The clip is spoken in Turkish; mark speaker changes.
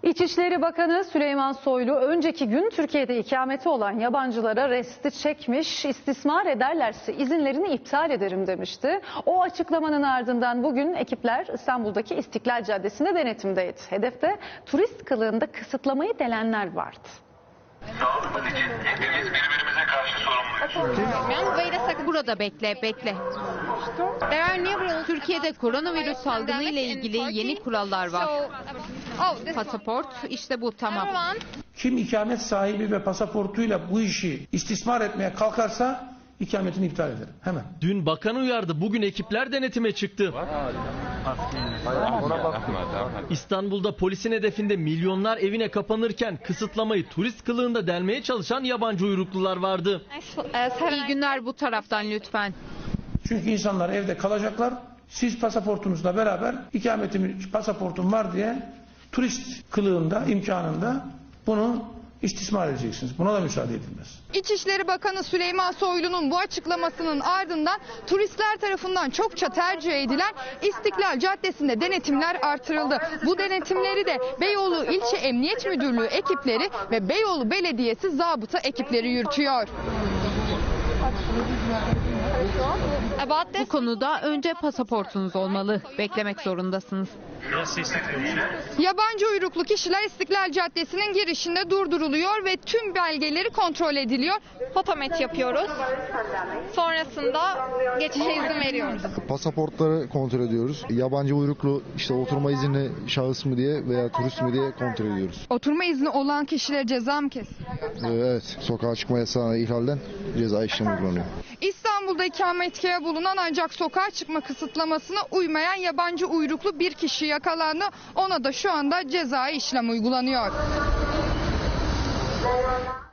Speaker 1: İçişleri Bakanı Süleyman Soylu önceki gün Türkiye'de ikameti olan yabancılara resti çekmiş, istismar ederlerse izinlerini iptal ederim demişti. O açıklamanın ardından bugün ekipler İstanbul'daki İstiklal Caddesi'nde denetimdeydi. Hedefte turist kılığında kısıtlamayı delenler vardı.
Speaker 2: Sağlığımız için hepimiz birbirimize karşı sorumluyuz.
Speaker 3: Burada bekle. Türkiye'de koronavirüs salgını ile ilgili yeni kurallar var. Pasaport işte bu, tamam.
Speaker 4: Kim ikamet sahibi ve pasaportuyla bu işi istismar etmeye kalkarsa ikametini iptal ederim hemen.
Speaker 5: Dün bakan uyardı, bugün ekipler denetime çıktı. İstanbul'da polisin hedefinde milyonlar evine kapanırken kısıtlamayı turist kılığında delmeye çalışan yabancı uyruklular vardı.
Speaker 3: İyi günler, bu taraftan lütfen.
Speaker 4: Çünkü insanlar evde kalacaklar. Siz pasaportunuzla beraber pasaportum var diye turist kılığında, imkanında bunu istismar edeceksiniz. Buna da müsaade edilmez.
Speaker 6: İçişleri Bakanı Süleyman Soylu'nun bu açıklamasının ardından turistler tarafından çokça tercih edilen İstiklal Caddesi'nde denetimler artırıldı. Bu denetimleri de Beyoğlu İlçe Emniyet Müdürlüğü ekipleri ve Beyoğlu Belediyesi zabıta ekipleri yürütüyor.
Speaker 3: Bu konuda önce pasaportunuz olmalı. Beklemek zorundasınız.
Speaker 6: Yabancı uyruklu kişiler İstiklal Caddesi'nin girişinde durduruluyor ve tüm belgeleri kontrol ediliyor. Fotomet yapıyoruz. Sonrasında geçişe izin veriyoruz.
Speaker 7: Pasaportları kontrol ediyoruz. Yabancı uyruklu işte oturma izinli şahıs mı diye veya turist mi diye kontrol ediyoruz.
Speaker 6: Oturma izni olan kişilere ceza mı kesiliyor?
Speaker 7: Evet, sokağa çıkma yasağına ihlalden ceza işlemi uygulanıyor.
Speaker 6: İstanbul'da ikametgahı bulunan ancak sokağa çıkma kısıtlamasına uymayan yabancı uyruklu bir kişi yakalandı. Ona da şu anda cezai işlem uygulanıyor.